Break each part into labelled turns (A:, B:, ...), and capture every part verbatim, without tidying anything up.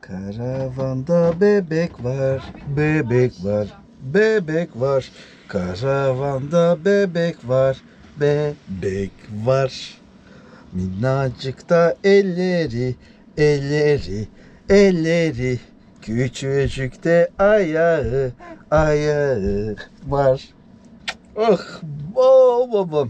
A: Karavanda bebek var, bebek var, bebek var. Karavanda bebek var, bebek var. Minnacık da elleri, elleri, elleri. Küçücük de ayağı, ayağı var. Oh, oh babam.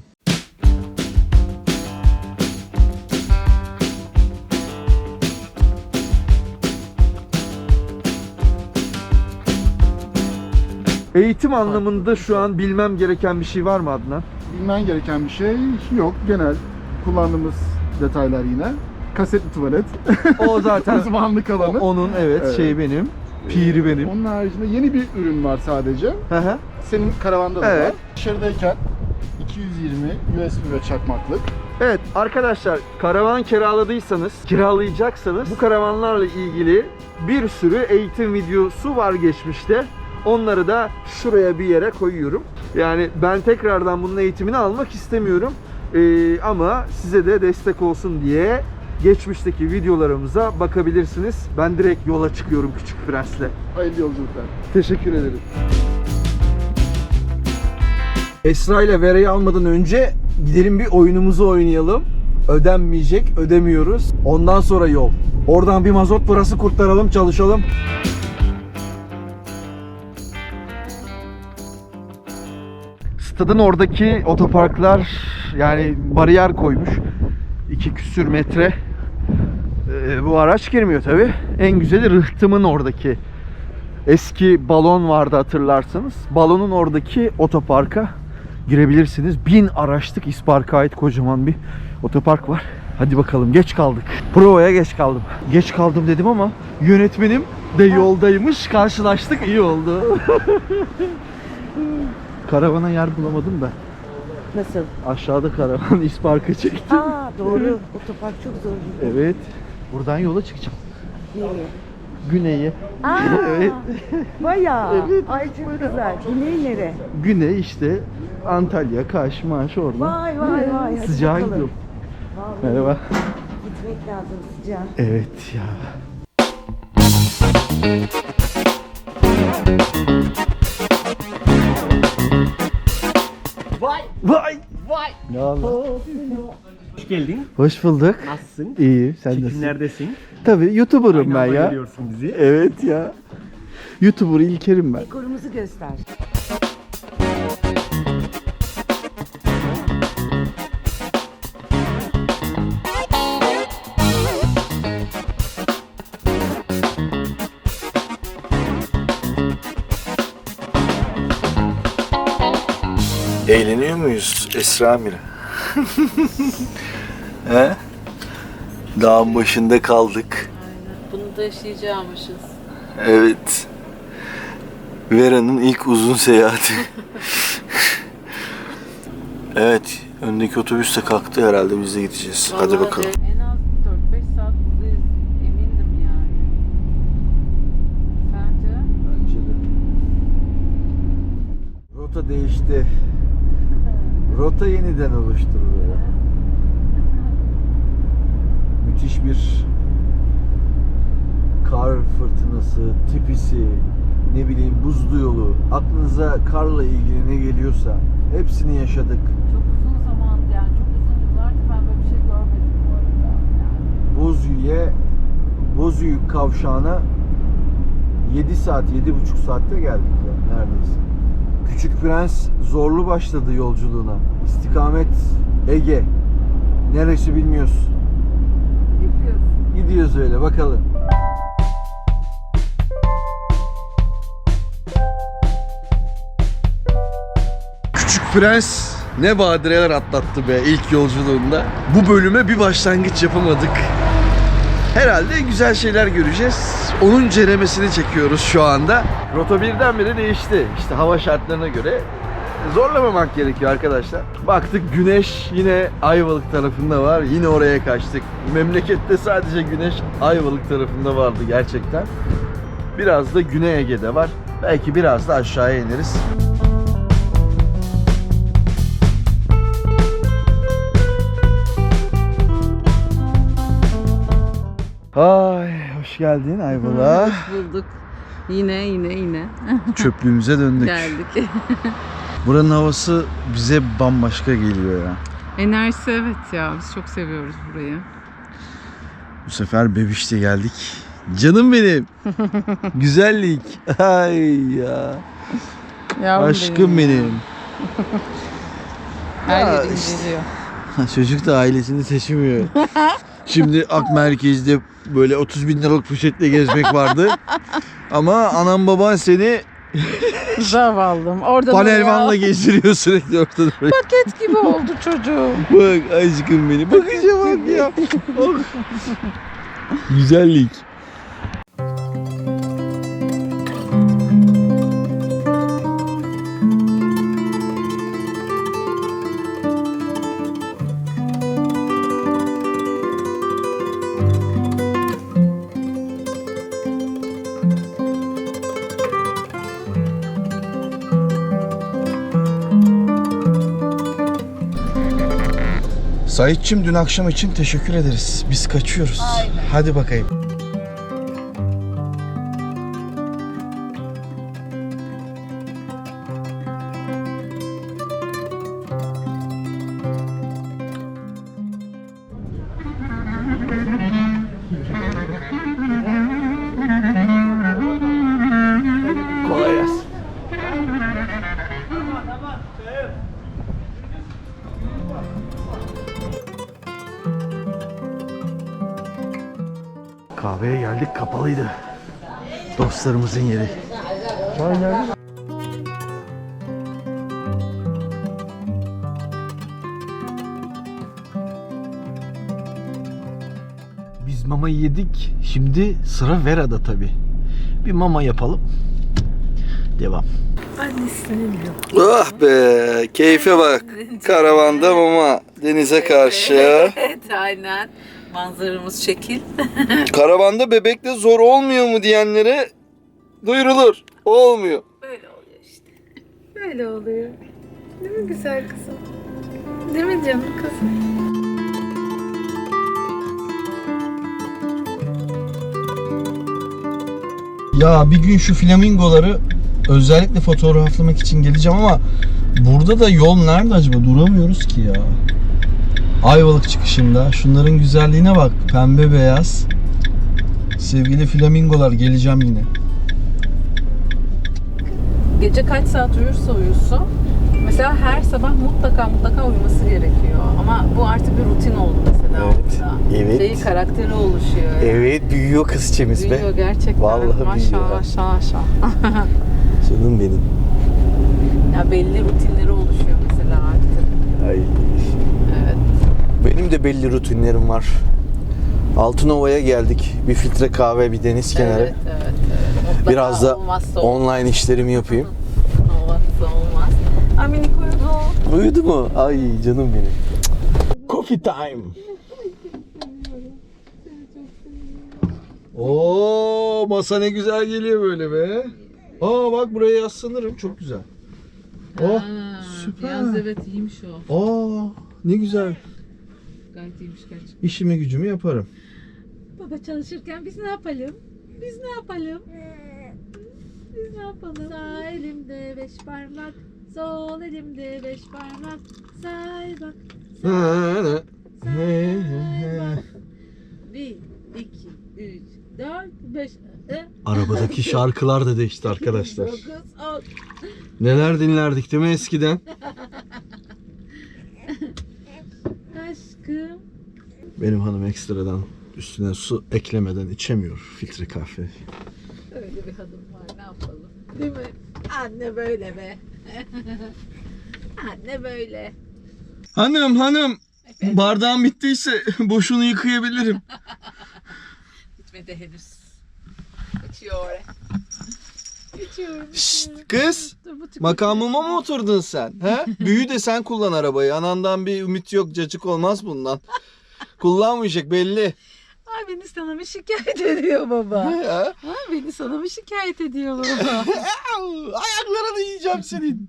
A: Eğitim anlamında şu an bilmem gereken bir şey var mı Adnan?
B: Bilmen gereken bir şey yok. Genel kullandığımız detaylar yine. Kasetli tuvalet.
A: O zaten
B: Uzmanlık alanı.
A: o- onun evet,
B: Evet.
A: şey benim. Piri benim.
B: Onun haricinde yeni bir ürün var sadece.
A: Hı hı.
B: Senin karavanda da
A: Evet.
B: var. Dışarıdayken iki yüz yirmi U S B ve çakmaklık.
A: Evet arkadaşlar, karavan kiraladıysanız, kiralayacaksanız bu karavanlarla ilgili bir sürü eğitim videosu var geçmişte. Onları da şuraya bir yere koyuyorum. Yani ben tekrardan bunun eğitimini almak istemiyorum. Ee, ama size de destek olsun diye geçmişteki videolarımıza bakabilirsiniz. Ben direkt yola çıkıyorum Küçük Prens'le.
B: Hayırlı yolculuklar.
A: Teşekkür ederim. Esra ile Vera'yı almadan önce gidelim bir oyunumuzu oynayalım. Ödenmeyecek, ödemiyoruz. Ondan sonra yol. Oradan bir mazot parası kurtaralım, çalışalım. Stadın oradaki otoparklar yani bariyer koymuş. İki küsür metre. Ee, bu araç girmiyor tabi. En güzeli Rıhtım'ın oradaki. Eski balon vardı hatırlarsanız. Balonun oradaki otoparka girebilirsiniz. Bin araçlık İspark'a ait kocaman bir otopark var. Hadi bakalım, geç kaldık. Provaya geç kaldım. Geç kaldım dedim ama yönetmenim de yoldaymış. Karşılaştık, iyi oldu. Karavana yer bulamadım da.
C: Nasıl?
A: Aşağıda karavan İspark'a çektim.
C: Aa doğru. Otopark çok zor.
A: Evet. Buradan yola çıkacağım.
C: Nereye?
A: Güney'e.
C: Aa,
A: Evet.
C: bayağı.
A: Evet.
C: Ay çok güzel. Güney nere?
A: Güney işte Antalya, Kaş, Maş oradan.
C: Vay vay vay. Hadi
A: Sıcağa
C: bakalım.
A: gidiyorum.
C: Vallahi
A: Merhaba.
C: gitmek lazım sıcağa.
A: Evet ya.
D: Vay
A: Vay!
D: vay.
A: Ne haber?
D: Hoş geldin.
A: Hoş bulduk.
D: Nasılsın?
A: İyi, sen nasılsın?
D: Çekimlerdesin.
A: Tabii YouTuber'ım ben
D: Aynı anda
A: ya.
D: görüyorsun bizi.
A: Evet ya. YouTuber İlker'im ben.
C: Dekorumuzu göster.
A: Eğleniyor muyuz Esra Mira? He? Dağın başında kaldık.
E: Bunu da yaşayacakmışız.
A: Evet. Vera'nın ilk uzun seyahati. Evet. Öndeki otobüs de kalktı herhalde. Biz de gideceğiz. Hadi
E: Vallahi
A: bakalım.
E: de En az dört beş saat buradayız. Emindim yani. Sence?
A: Bence de. Rota değişti. Rota yeniden oluşturuluyor. Müthiş bir kar fırtınası, tipisi, ne bileyim buzlu yolu, aklınıza karla ilgili ne geliyorsa hepsini yaşadık.
E: Çok uzun zaman yani çok uzun yıllardır ben böyle bir şey görmedim bu arada. Yani.
A: Bozüyük'e, Bozüyük kavşağına yedi saat, yedi buçuk saatte geldik ya neredeyse. Küçük Prens zorlu başladı yolculuğuna. İstikamet Ege. Neresi bilmiyoruz.
E: Gidiyoruz.
A: Gidiyoruz öyle bakalım. Küçük Prens ne badireler atlattı be ilk yolculuğunda. Bu bölüme bir başlangıç yapamadık. Herhalde güzel şeyler göreceğiz. Onun ceremesini çekiyoruz şu anda. Rota birdenbire değişti. İşte hava şartlarına göre zorlamamak gerekiyor arkadaşlar. Baktık güneş yine Ayvalık tarafında var. Yine oraya kaçtık. Memlekette sadece güneş Ayvalık tarafında vardı gerçekten. Biraz da Güney Ege'de var. Belki biraz da aşağıya ineriz. Ay hoş Hoş geldin Ayvalık'a.
E: Hoş bulduk. Yine yine yine
A: Çöplüğümüze döndük.
E: geldik.
A: Buranın havası bize bambaşka geliyor ya.
E: Enerjisi evet ya, biz çok seviyoruz burayı.
A: Bu sefer Bebiş'te geldik. Canım benim. Güzellik. Ay ya.
E: Yavrum
A: Aşkım
E: benim.
A: benim.
E: Her
A: Ya
E: yerim
A: işte.
E: geliyor.
A: Çocuk da ailesini seçmiyor. Şimdi Ak Merkez'de böyle otuz bin liralık poşetle gezmek vardı. Ama anam baban seni
E: Zavallım. Oradan
A: panelvanla
E: oraya.
A: gezdiriyor sürekli ortada.
E: Paket gibi oldu çocuğum.
A: Bak aşkım benim. Bakışa bak ya. Oh. Güzellik. Saitçim dün akşam için teşekkür ederiz. Biz kaçıyoruz.
E: Aynen.
A: Hadi bakayım. Kolay gelsin. Kahveye geldik, kapalıydı. Dostlarımızın yeri. Çay geldi. Biz mamayı yedik. Şimdi sıra Vera'da tabii. Bir mama yapalım. Devam. Ah be, keyfe bak. Karavanda mama, denize karşı.
E: Evet aynen. Manzaramız şekil.
A: Karavanda bebekle zor olmuyor mu diyenlere duyurulur. Olmuyor.
E: Böyle oluyor işte. Böyle oluyor. Değil mi güzel kızım? Değil mi canım kızım?
A: Ya bir gün şu flamingoları özellikle fotoğraflamak için geleceğim ama burada da yol nerede acaba? Duramıyoruz ki ya. Ayvalık çıkışında. Şunların güzelliğine bak. Pembe beyaz. Sevgili flamingolar, geleceğim yine.
E: Gece kaç saat uyursa uyusun. Mesela her sabah mutlaka mutlaka uyuması gerekiyor. Ama bu artık bir rutin oldu mesela
A: Evet,
E: orada.
A: evet.
E: Şeyi, karakteri oluşuyor.
A: Evet, büyüyor kızçemiz be.
E: Büyüyor gerçekten.
A: Vallahi büyüyor.
E: Maşallah maşallah maşallah.
A: Canım benim.
E: Ya belli rutinleri oluşuyor mesela artık.
A: Ay.
E: Evet.
A: Benim de belli rutinlerim var. Altınova'ya geldik. Bir filtre kahve, bir deniz kenarı.
E: Evet, evet, evet. Mutlaka
A: Biraz da
E: olmazsa olmaz.
A: online işlerimi yapayım.
E: Olmazsa olmaz. Aa, minik uyudu.
A: Uyudu mu? Ay canım benim. Coffee time. Oo, masa ne güzel geliyor böyle be. Aa bak, buraya yaslanırım. Çok güzel. Oh,
E: Ha,
A: süper.
E: Yalnız evet iyiymiş o.
A: Aa, ne güzel.
E: Gayet iyiymiş gerçekten.
A: İşimi gücümü yaparım.
F: Baba çalışırken biz ne yapalım? Biz ne yapalım? Biz ne yapalım? Sağ elimde beş parmak, sol elimde beş parmak. Say bak, say bak. Bir, iki, üç, dört, beş. E,
A: Arabadaki şarkılar da değişti arkadaşlar.
F: dokuz, on.
A: Neler dinlerdik değil mi eskiden?
F: Aşkım.
A: Benim hanım ekstradan üstüne su eklemeden içemiyor filtre kahve.
E: Öyle bir hanım var, ne yapalım? Değil mi? Anne böyle be. Anne böyle.
A: Hanım hanım, bardağım bittiyse boşunu yıkayabilirim.
E: Bitmedi henüz. Geçiyor oraya. Geçiyorum.
A: Şşt kız,
F: Dur, bu tüp-
A: makamıma mı oturdun sen? He? Büyü de sen kullan arabayı. Anandan bir ümit yok, cacık olmaz bundan. Kullanmayacak belli.
F: Ay beni sana mı şikayet ediyor baba?
A: Ha?
F: Ay beni sana mı şikayet ediyor baba?
A: Ayaklarını yiyeceğim senin.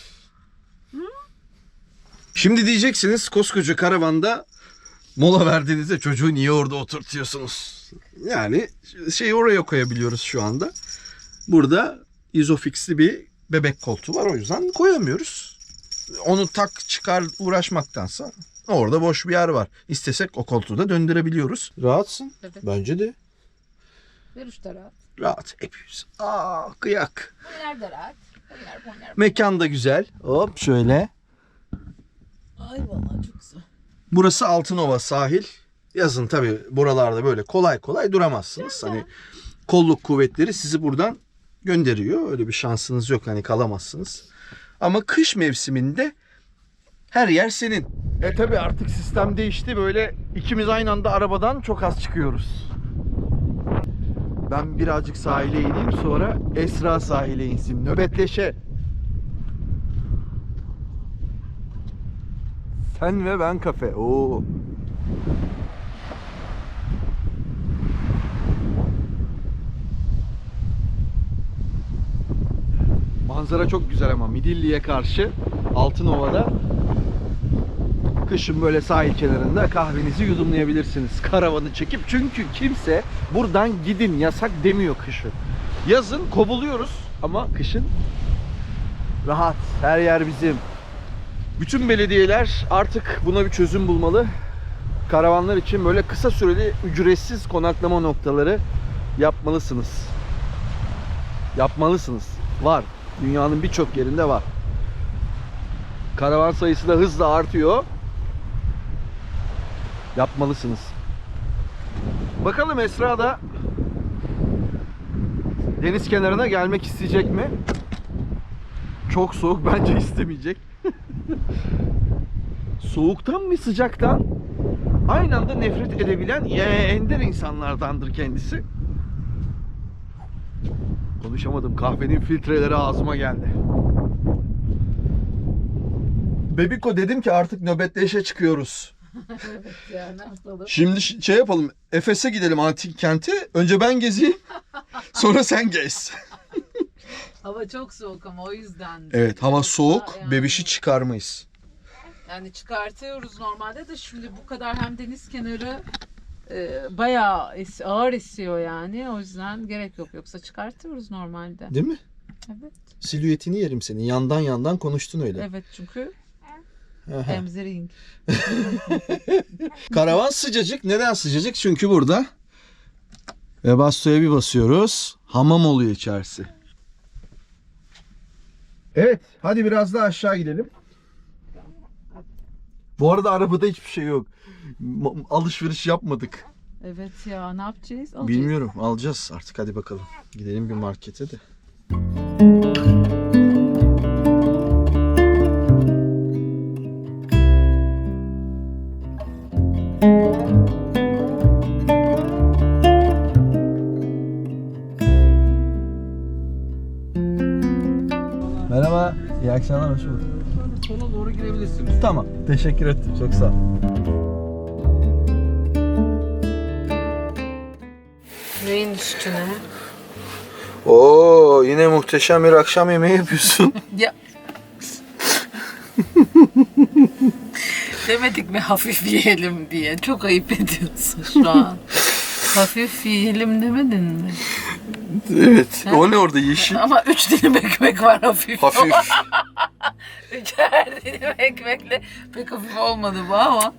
A: Şimdi diyeceksiniz, koskoca karavanda mola verdiğinizde çocuğu niye orada oturtuyorsunuz? Yani şeyi oraya koyabiliyoruz şu anda. Burada izofixli bir bebek koltuğu var, o yüzden koyamıyoruz. Onu tak çıkar uğraşmaktansa orada boş bir yer var. İstesek o koltuğu da döndürebiliyoruz. Rahatsın.
E: Evet.
A: Bence de.
E: Ver da rahat.
A: Rahat. Hepimiz. Aa, kıyak.
E: Bunlar da rahat. Bunlar, bunlar.
A: Mekan da güzel. Hop şöyle.
E: Ay vallahi çok güzel.
A: Burası Altınova sahil. Yazın tabii buralarda böyle kolay kolay duramazsınız. Hani kolluk kuvvetleri sizi buradan gönderiyor. Öyle bir şansınız yok, hani kalamazsınız. Ama kış mevsiminde her yer senin. E tabii artık sistem değişti. Böyle ikimiz aynı anda arabadan çok az çıkıyoruz. Ben birazcık sahile ineyim, sonra Esra sahile insin. Nöbetleşe. Sen ve ben kafe. Oo. Manzara çok güzel ama Midilli'ye karşı Altınova'da kışın böyle sahil kenarında kahvenizi yudumlayabilirsiniz. Karavanı çekip, çünkü kimse buradan gidin yasak demiyor kışın. Yazın kovuluyoruz ama kışın rahat. Her yer bizim. Bütün belediyeler artık buna bir çözüm bulmalı. Karavanlar için böyle kısa süreli ücretsiz konaklama noktaları yapmalısınız. Yapmalısınız. Var. Dünyanın birçok yerinde var. Karavan sayısı da hızla artıyor. Yapmalısınız. Bakalım Esra da deniz kenarına gelmek isteyecek mi? Çok soğuk, bence istemeyecek. Soğuktan mı sıcaktan aynı anda nefret edebilen ender insanlardandır kendisi. Konuşamadım. Kahvenin filtreleri ağzıma geldi. Bebiko, dedim ki artık nöbetleşe çıkıyoruz.
E: Evet ya, ne yapalım?
A: Şimdi şey yapalım. Efes'e gidelim, antik kenti. Önce ben gezeyim. Sonra sen gez.
E: Hava çok soğuk ama o yüzden.
A: Evet, hava soğuk.
E: Yani-
A: Bebişi çıkarmayız.
E: Yani çıkartıyoruz normalde de, şimdi bu kadar hem deniz kenarı e, bayağı es- ağır esiyor yani. O yüzden gerek yok. Yoksa çıkartıyoruz normalde.
A: Değil mi?
E: Evet.
A: Silüetini yerim senin. Yandan yandan konuştun öyle.
E: Evet, çünkü
A: Aha.
E: emziring.
A: Karavan sıcacık. Neden sıcacık? Çünkü burada Webasto'ya bir basıyoruz. Hamam oluyor içerisi. Evet. Hadi biraz daha aşağı gidelim. Bu arada arabada hiçbir şey yok. Ma- Alışveriş yapmadık.
E: Evet ya, ne yapacağız? Alacağız.
A: Bilmiyorum. Alacağız artık. Hadi bakalım. Gidelim bir markete de. Merhaba. İyi akşamlar. Hoş bulduk.
D: Sola doğru girebilirsiniz.
A: Tamam. Teşekkür ettim. Çok sağ ol.
E: Neyin üstüne?
A: Oo, yine muhteşem bir akşam yemeği yapıyorsun.
E: Ya. Demedik mi hafif yiyelim diye? Çok ayıp ediyorsun şu an. Hafif yiyelim demedin mi?
A: Evet. O ne orada yeşil?
E: Ama üç dilim ekmek var hafif.
A: Hafif.
E: Üçer dilim ekmekle pek hafif olmadı bu ama.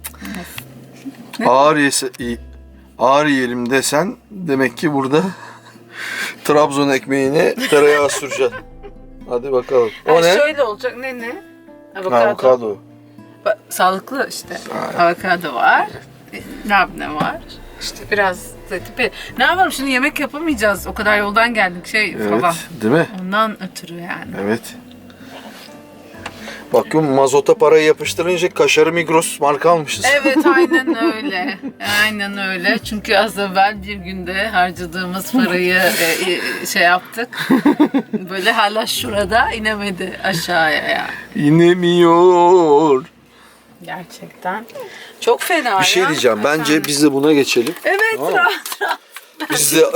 A: Ağır yese, iyi- ağır yiyelim desen demek ki burada Trabzon ekmeğine tereyağı süreceksin. Hadi bakalım. O
E: Ha,
A: ne?
E: şöyle olacak, ne ne? Avokado.
A: Avokado.
E: Ba- Sağlıklı işte. Avokado var. Labne var. İşte biraz zeytin. Ne yapalım şimdi, yemek yapamayacağız. O kadar yoldan geldik şey
A: Evet,
E: falan.
A: değil mi?
E: Ondan ötürü yani.
A: Evet. Bakıyorum mazota parayı yapıştırınca kaşarı Migros marka almışız.
E: Evet, aynen öyle. Aynen öyle. Çünkü az evvel bir günde harcadığımız parayı e, e, şey yaptık. Böyle hala şurada inemedi aşağıya yani.
A: İnemiyor.
E: Gerçekten. Çok fena
A: Bir şey
E: ya.
A: diyeceğim. Bence
E: Efendim?
A: biz de buna geçelim.
E: Evet,
A: Tamam.
E: rahat rahat.
A: Biz de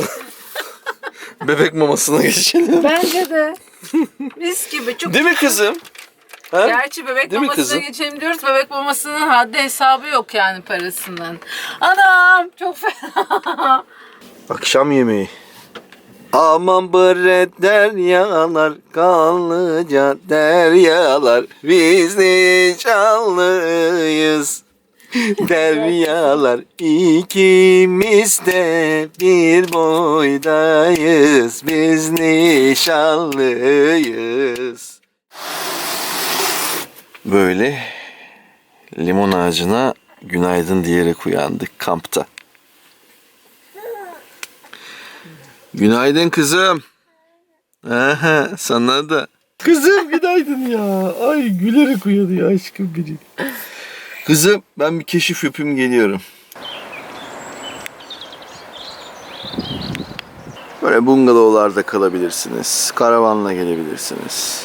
A: bebek mamasına geçelim.
E: Bence de. Mis gibi. Çok
A: Değil mi kızım? Ha?
E: Gerçi bebek
A: Değil mi
E: mamasına
A: kızım?
E: geçelim diyoruz. Bebek mamasının haddi hesabı yok yani parasının. Anam çok fena.
A: Akşam yemeği. Aman bre deryalar, kanlıca deryalar, biz nişanlıyız. Deryalar ikimiz de bir boydayız, biz nişanlıyız. Böyle limon ağacına günaydın diyerek uyandık kampta. Günaydın kızım. Aha, sana da. Kızım günaydın ya. Ay gülerek uyanıyor aşkım benim. Kızım ben bir keşif yapayım geliyorum. Böyle bungalovlarda kalabilirsiniz. Karavanla gelebilirsiniz.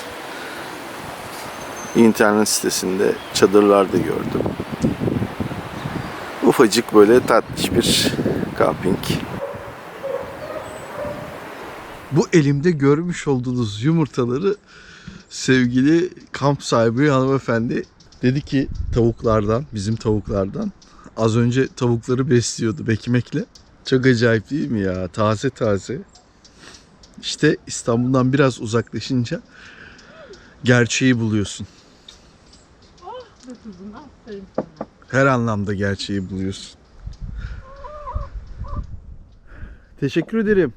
A: İnternet sitesinde çadırlarda gördüm. Ufacık böyle tatlış bir kamping. Bu elimde görmüş olduğunuz yumurtaları sevgili kamp sahibi hanımefendi dedi ki tavuklardan, bizim tavuklardan. Az önce tavukları besliyordu ekmekle. Çok acayip değil mi ya? Taze taze. İşte İstanbul'dan biraz uzaklaşınca gerçeği buluyorsun. Her anlamda gerçeği buluyorsun. Teşekkür ederim.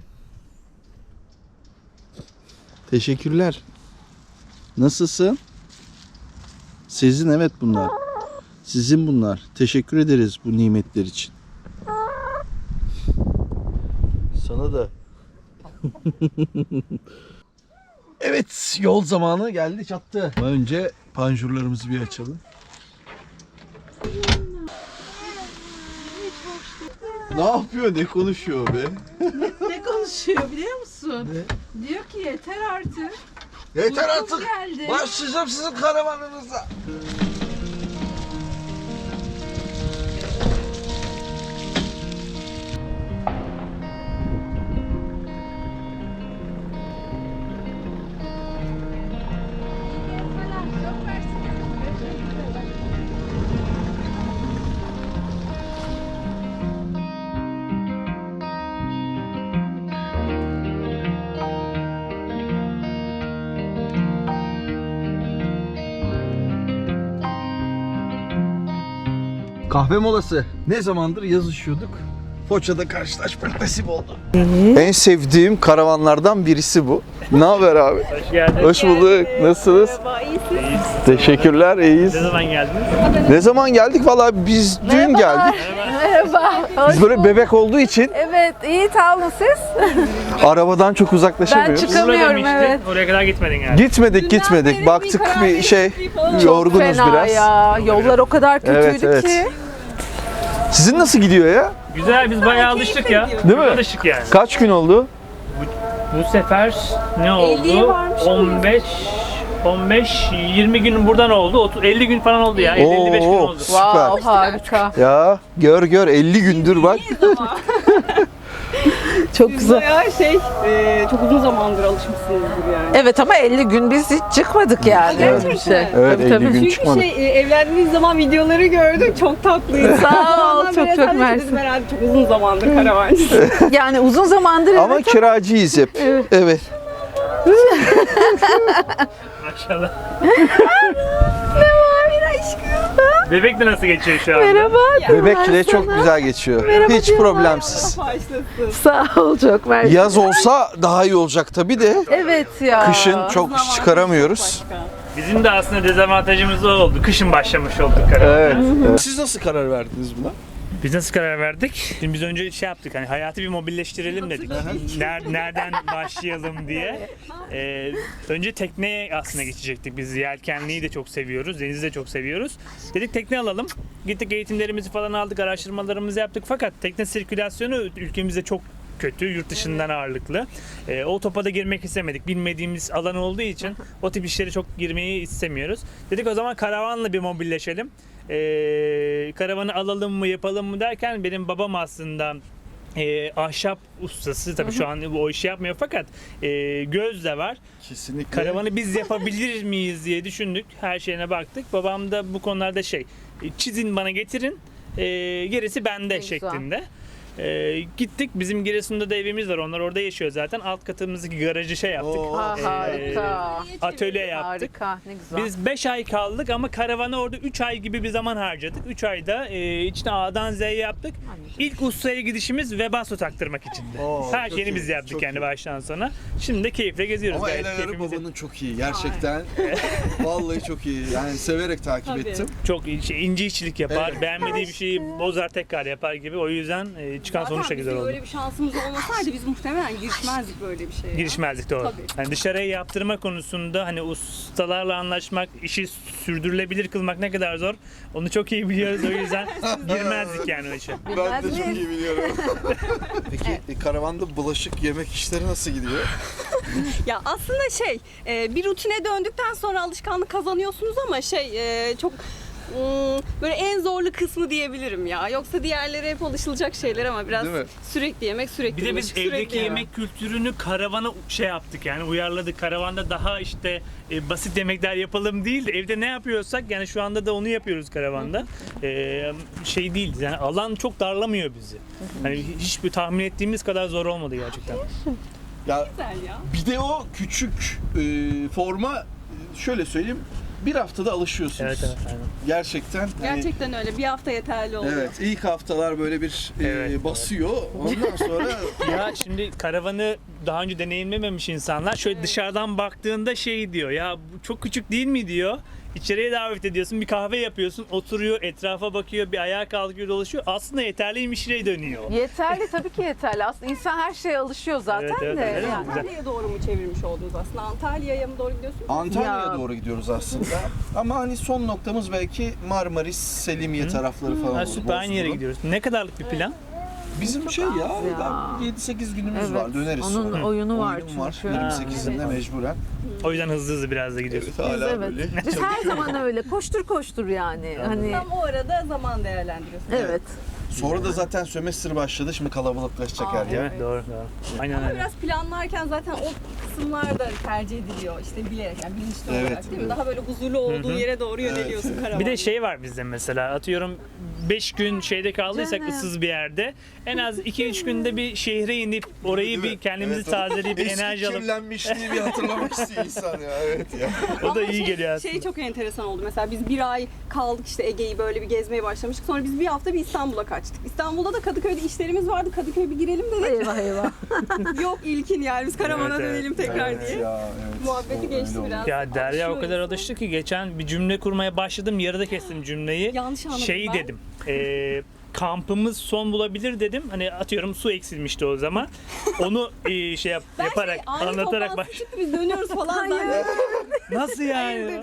A: Teşekkürler. Nasılsın? Sizin evet bunlar. Sizin bunlar. Teşekkür ederiz bu nimetler için. Sana da. Evet, yol zamanı geldi çattı. Ama önce panjurlarımızı bir açalım. Ne yapıyor? Ne konuşuyor be?
E: Ne konuşuyor biliyor musun?
A: Ne?
E: Diyor ki yeter artık.
A: Yeter
E: Uykum
A: artık.
E: geldi.
A: Başlayacağım sizin karavanınıza. Kahve molası. Ne zamandır yazışıyorduk. Foça'da karşılaşmak nasip oldu. En sevdiğim karavanlardan birisi bu. Ne haber abi?
G: Hoş geldin.
A: Hoş bulduk. Nasılsınız?
G: İyiyiz.
A: Teşekkürler, iyiyiz.
G: Ne zaman geldiniz?
A: Ne zaman geldik? Vallahi biz dün geldik.
C: Merhaba.
A: Biz böyle bebek olduğu için
C: Evet, iyi tamam siz?
A: arabadan çok
C: Ben
A: uzaklaşamıyoruz.
C: çıkamıyorum.
G: Urla
C: Çıkamıyorum,
G: demiştin.
C: evet.
G: Oraya kadar gitmedin yani.
A: Gitmedik, gitmedik. Baktık bir şey, yorgunuz
C: Fena
A: biraz.
C: ya. Yollar o kadar kötüydü
A: Evet, evet.
C: ki.
A: Sizin nasıl gidiyor ya?
G: Güzel, biz bayağı alıştık ya.
A: Değil mi?
G: Alıştık yani.
A: Kaç gün oldu?
G: Bu sefer ne oldu? on beş on beş yirmi gün buradan oldu. otuz elli gün falan oldu ya. elli elli beş gün
A: Oo,
G: oldu.
A: süper.
C: Wow, harika.
A: Ya gör gör elli gündür bak.
C: Çok güzel.
H: Bayağı şey, e, çok uzun zamandır alışmışsınızdır yani.
C: Evet ama elli gün biz hiç çıkmadık yani.
A: Evet.
C: Öyle bir şey.
A: Evet,
C: Tabii,
A: elli
C: tabii.
A: gün
H: Çünkü
A: çıkmadık.
H: şey, e, evlendiğiniz zaman videoları gördük, çok tatlıydı.
C: Sağ ol,
H: Ondan
C: çok
H: böyle
C: çok
H: tabii
C: mersi.
H: dedim herhalde çok uzun zamandır karavancı.
C: Yani uzun zamandır
A: Ama
C: evet.
A: kiracıyız hep. Evet.
G: Maşallah. Bebek de nasıl geçiyor şu anda?
C: Merhaba.
A: Bebekle çok güzel geçiyor. Hiç problemsiz.
H: Başlasın.
C: Sağ ol, çok mersi.
A: Yaz olsa daha iyi olacak tabii de.
C: Evet ya.
A: Kışın çok iş çıkaramıyoruz.
G: Bizim de aslında dezavantajımız o oldu. Kışın başlamış olduk karavana.
A: Evet. Siz nasıl karar verdiniz buna?
G: Biz nasıl karar verdik? Şimdi biz önce şey yaptık, hani hayatı bir mobilleştirelim dedik. Ner- nereden başlayalım diye. Ee, önce tekneye aslında geçecektik. Biz yelkenliyi de çok seviyoruz, denizi de çok seviyoruz. Dedik tekne alalım. Gittik eğitimlerimizi falan aldık, araştırmalarımızı yaptık. Fakat tekne sirkülasyonu ülkemizde çok kötü, yurt dışından ağırlıklı. Ee, o topa da girmek istemedik. Bilmediğimiz alan olduğu için o tip işlere çok girmeyi istemiyoruz. Dedik o zaman karavanla bir mobilleşelim. Ee, karavanı alalım mı yapalım mı derken benim babam aslında e, ahşap ustası tabii şu an o işi yapmıyor fakat e, göz de var.
A: Kesinlikle.
G: Karavanı biz yapabilir miyiz diye düşündük. Her şeyine baktık. Babam da bu konularda şey, e, çizin bana getirin, e, gerisi bende
C: güzel.
G: şeklinde. E, gittik. Bizim Giresun'da da evimiz var. Onlar orada yaşıyor zaten. Alt katımızdaki garajı şey yaptık.
A: Oo.
C: Ha,
G: E,
C: harika.
G: Atölye yaptık.
C: Harika. Ne güzel.
G: Biz beş ay kaldık ama karavana orada üç ay gibi bir zaman harcadık. üç ayda e, içine A'dan Z'ye yaptık. İlk ustaya gidişimiz Webasto taktırmak içindi.
A: Oo,
G: Her
A: çok
G: şeyini
A: iyi,
G: biz yaptık
A: çok
G: yani
A: iyi.
G: baştan sona. Şimdi de keyifle geziyoruz.
A: Ama
G: Gayet
A: el ayarı
G: keyfimiz-
A: babanın çok iyi gerçekten. Vallahi çok iyi. Yani severek takip
H: Tabii.
A: ettim.
G: Çok iyi, şey, ince işçilik yapar.
A: Evet.
G: Beğenmediği bir şeyi bozar tekrar yapar gibi. O yüzden e, çıkan
H: Zaten
G: sonuç da
H: bizim
G: güzel oldu.
H: öyle bir şansımız olmasaydı biz muhtemelen girişmezdik böyle bir şeye.
G: Girişmezdik doğru.
H: Tabii.
G: Yani dışarıya yaptırma konusunda hani ustalarla anlaşmak, işi sürdürülebilir kılmak ne kadar zor. Onu çok iyi biliyoruz o yüzden girmezdik yani o işe.
A: Ben de
C: Bilmez
A: çok
C: miyiz?
A: iyi biliyorum. Peki e, karavanda bulaşık yemek işleri nasıl gidiyor?
H: Ya aslında şey, e, bir rutine döndükten sonra alışkanlık kazanıyorsunuz ama şey e, çok ım, böyle en zorlu kısmı diyebilirim ya. Yoksa diğerleri hep alışılacak şeyler ama biraz
A: Değil mi?
H: sürekli yemek, sürekli
G: Bir de
H: yemek,
G: biz
H: sürekli
G: evdeki
H: yemek.
G: yemek kültürünü karavana şey yaptık yani uyarladık. Karavanda daha işte e, basit yemekler yapalım değil de evde ne yapıyorsak yani şu anda da onu yapıyoruz karavanda. E, şey değil yani alan çok darlamıyor bizi. Hani hiçbir tahmin ettiğimiz kadar zor olmadı gerçekten.
A: Ya
H: Güzel ya.
A: bir de o küçük e, forma e, şöyle söyleyeyim bir haftada alışıyorsunuz.
G: Evet evet aynen.
A: Gerçekten. hani-
H: Gerçekten öyle. Bir hafta yeterli oluyor.
A: Evet, ilk haftalar böyle bir e,
G: Evet,
A: basıyor. Ondan sonra
G: Ya şimdi karavanı daha önce deneyimlememiş insanlar şöyle dışarıdan baktığında şey diyor ya bu çok küçük değil mi diyor. İçeriye davet ediyorsun bir kahve yapıyorsun oturuyor etrafa bakıyor bir ayağa kalkıyor dolaşıyor aslında yeterliymişine dönüyor.
C: Yeterli tabii ki yeterli. Aslında insan her şeye alışıyor zaten
G: Evet, evet,
C: de.
G: evet.
C: yani.
G: Güzel.
H: Antalya'ya doğru mu çevirmiş oldunuz aslında? Antalya'ya mı doğru gidiyorsunuz?
A: Antalya'ya
C: Ya.
A: doğru gidiyoruz aslında. Ama hani son noktamız belki Marmaris, Selimiye tarafları falan
G: Ha,
A: olur.
G: süper aynı yere
A: Bozburun.
G: gidiyoruz. Ne kadarlık bir plan?
A: Bizim şey ya,
C: ya.
A: yedi sekiz günümüz
C: Evet,
A: var. Döneriz
C: onun
A: sonra.
C: oyunu var
A: Oyun
C: çünkü.
A: var.
C: Ha,
A: yirmi sekizinde
G: evet.
A: mecburen.
G: O yüzden hızlı hızlı biraz da gidiyoruz.
A: Evet, hala
C: evet.
A: böyle.
C: Biz her zaman öyle koştur koştur yani. Hani
H: Tam o arada zaman değerlendiriyorsunuz.
C: evet.
A: Sonra da zaten sömestr başladı. Şimdi kalabalıklaşacak her
G: Değil
A: yer.
G: mi? Doğru doğru. Aynen
H: Ama
G: öyle.
H: biraz planlarken zaten o kısımlar da tercih ediliyor işte bilerek yani bilinçli
A: Evet,
H: olarak değil mi?
A: evet.
H: Daha böyle huzurlu olduğun yere doğru yöneliyorsun karavanda.
G: Bir de şey var bizde mesela atıyorum beş gün şeyde kaldıysak
C: Canım.
G: ıssız bir yerde en az iki üç günde bir şehre inip orayı bir kendimizi
A: Evet, o
G: tazeleyip bir
A: eski
G: enerji alıp
A: kirlenmişliği bir hatırlamak istiyor insan ya. Evet ya.
G: o da
H: Ama
G: iyi
H: şey-
G: geliyor aslında.
H: Şey çok enteresan oldu. Mesela biz bir ay kaldık işte Ege'yi böyle bir gezmeye başlamıştık. Sonra biz bir hafta bir İstanbul'a kaçtık. İstanbul'da da Kadıköy'de işlerimiz vardı. Kadıköy'e bir girelim dedik.
C: Eyvah eyvah.
H: Yok ilkin yani biz karavana
G: Evet, evet.
H: dönelim tekrar
A: Evet
H: diye.
A: ya, evet.
H: Muhabbeti
A: O
H: geçti
A: öyle oldu.
H: biraz.
G: Ya Derya o
H: Alışıyor
G: kadar
H: insan.
G: alıştı ki geçen bir cümle kurmaya başladım yarıda kestim cümleyi.
H: Yanlış anladım
G: Şey
H: ben.
G: dedim. eee, kampımız son bulabilir dedim. Hani atıyorum su eksilmişti o zaman. Onu eee, şey yap,
H: Ben
G: yaparak
H: şey, ani
G: anlatarak
H: toplantısı
G: baş.
H: çıktı biz dönüyoruz falan. Hayır.
G: Nasıl yani?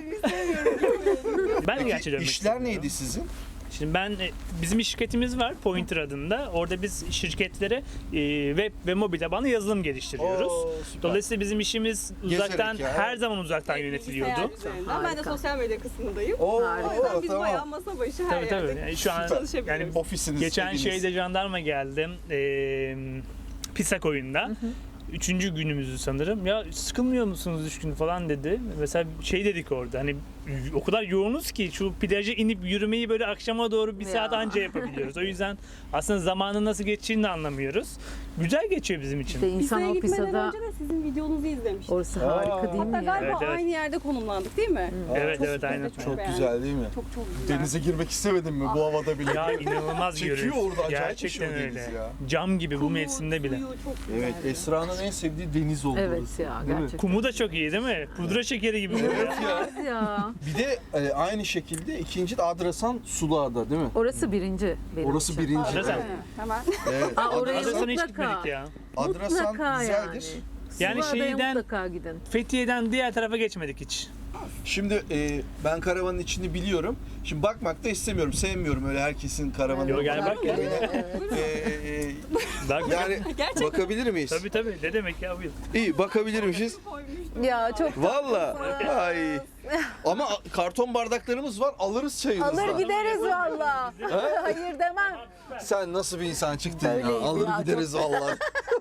G: Ben de gerçi
A: Peki
G: dönmek
A: işler
G: istiyorum.
A: neydi sizin?
G: Şimdi ben e, bizim bir şirketimiz var Pointer adında. Orada biz şirketlere e, web ve mobil tabanlı yazılım geliştiriyoruz.
A: Oo, süper.
G: Dolayısıyla bizim işimiz uzaktan
A: ya.
G: her zaman uzaktan
H: Bilgisayar
G: yönetiliyordu.
H: üzerinden. Ben de sosyal medya kısmındayım.
A: Oo,
H: O yüzden biz
A: tamam.
H: bayağı masa başı her
G: Tabii
H: yerde
G: tabii. Yani şu an
H: çalışabiliyoruz.
G: yani
A: Ofisiniz.
G: geçen
A: eviniz.
G: şeyde jandarma geldim. E, Pisak oyunda. Üçüncü günümüzü sanırım. Ya sıkılmıyor musunuz üç gün falan dedi. Mesela şey dedik orada hani o kadar yoğunuz ki şu plaja inip yürümeyi böyle akşama doğru bir
C: Ya.
G: saat anca yapabiliyoruz. O yüzden aslında zamanın nasıl geçtiğini de anlamıyoruz. Güzel geçiyor bizim için.
C: İşte insan
H: Pisa'ya
C: o
H: gitmeden
C: Pisa'da
H: önce de sizin videonuzu izlemiştim.
C: orası harika değil
H: Hatta
C: mi ya?
H: galiba
G: Evet, evet.
H: aynı yerde konumlandık değil mi?
G: Evet
H: Çok
G: evet
H: güzel,
G: aynen.
H: çok
A: Çok
H: beğendim.
A: güzel değil mi?
H: Çok çok güzel.
A: Denize girmek istemedin mi bu havada bile?
G: Ya inanılmaz
A: Çekiyor
G: görüyoruz.
A: orada, acayip
G: Gerçekten
A: bir şey o deniz
G: öyle.
A: ya.
G: Cam gibi bu
H: Kumu,
G: mevsimde bile.
H: suyu çok güzel.
A: Evet, Esra'nın en sevdiği deniz oldu
C: Evet
A: orası.
C: ya
A: Değil mi?
C: gerçekten.
G: Kumu da çok iyi değil mi? Pudra şekeri gibi oluyor.
C: İnanılmaz ya.
A: Bir de e, aynı şekilde ikinci de Adrasan Suluada değil mi?
C: Orası birinci. Benim
A: Orası
C: için.
A: birinci.
G: Adrasan.
A: Evet.
H: Hemen.
A: Evet.
C: Aa, oraya
A: Adrasan,
G: Adrasan'a hiç
C: mutlaka.
G: gitmedik ya.
A: Adrasan
C: Mutlaka
A: güzeldir.
C: yani.
G: Yani
C: Sulada'ya
G: şeyden-
C: mutlaka gidin.
G: Fethiye'den diğer tarafa geçmedik hiç.
A: Şimdi e, ben karavanın içini biliyorum. Şimdi bakmak da istemiyorum. Sevmiyorum öyle herkesin karavanı.
G: Yo, gel bak ya.
A: E, e,
G: Bak,
A: yani bakabilir miyiz?
G: tabii tabii. Ne demek ya buyur.
A: İyi bakabilirmişiz.
C: Ya çok
A: Valla. Ay. Ama karton bardaklarımız var. Alırız çayımızı.
C: alır gideriz valla. Hayır demem.
A: Sen nasıl bir insan çıktın ya?
C: Öyleyim
A: Alır
C: ya,
A: gideriz valla.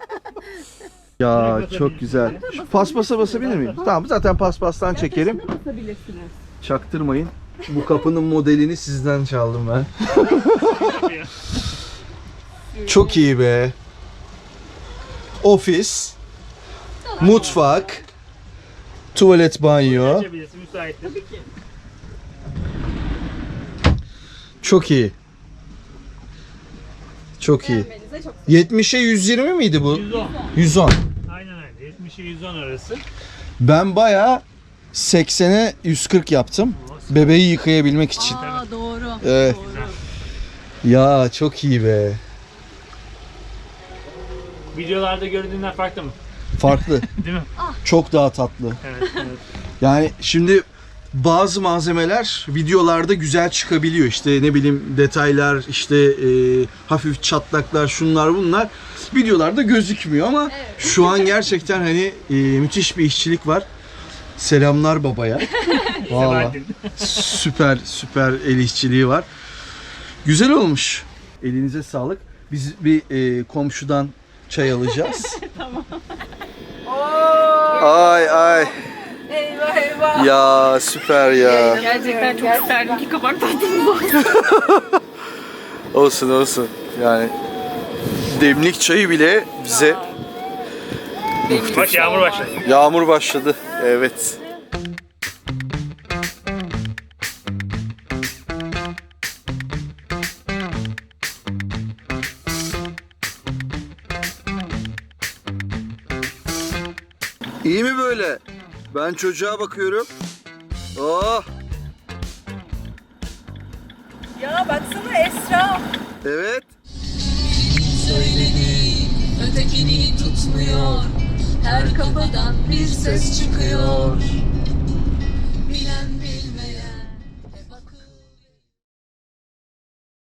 A: Ya çok güzel. Şu paspasa basabilir miyim? Tamam zaten paspastan çekelim. Çaktırmayın. Bu kapının modelini sizden çaldım ben. Çok iyi be. Ofis, mutfak, tuvalet, banyo.
G: Açabilirsin, müsaittir.
A: Çok iyi. Çok iyi. yetmişe yüz yirmi miydi bu?
G: yüz on.
A: yüz on.
G: Aynen öyle. yetmişe yüz on arası.
A: Ben bayağı seksene yüz kırk yaptım. Bebeği yıkayabilmek için.
H: Aa doğru.
A: Evet. Ya çok iyi be.
G: Videolarda gördüğünden farklı mı?
A: Farklı.
G: Değil mi?
A: Çok daha tatlı.
G: Evet, evet.
A: Yani şimdi bazı malzemeler videolarda güzel çıkabiliyor. İşte ne bileyim detaylar, işte e, hafif çatlaklar, şunlar bunlar videolarda gözükmüyor ama şu an gerçekten hani e, müthiş bir işçilik var. Selamlar babaya. Vallahi
G: Sebahattin.
A: süper süper el işçiliği var. Güzel olmuş. Elinize sağlık. Biz bir e, komşudan çay alacağız. Tamam. Ay ay.
C: Eyvah eyvah.
A: Ya süper ya.
H: Gerçekten çok isterdim ki kabak tatlımız olsun.
A: Olsun olsun. Yani demlik çayı bile bize
G: Bak yağmur başladı.
A: yağmur başladı. Evet. İyi mi böyle? Ben çocuğa bakıyorum. Oh.
C: Ya baksana Esra.
A: Evet.
I: Ötekini tutmuyor. Her kafadan bir ses çıkıyor.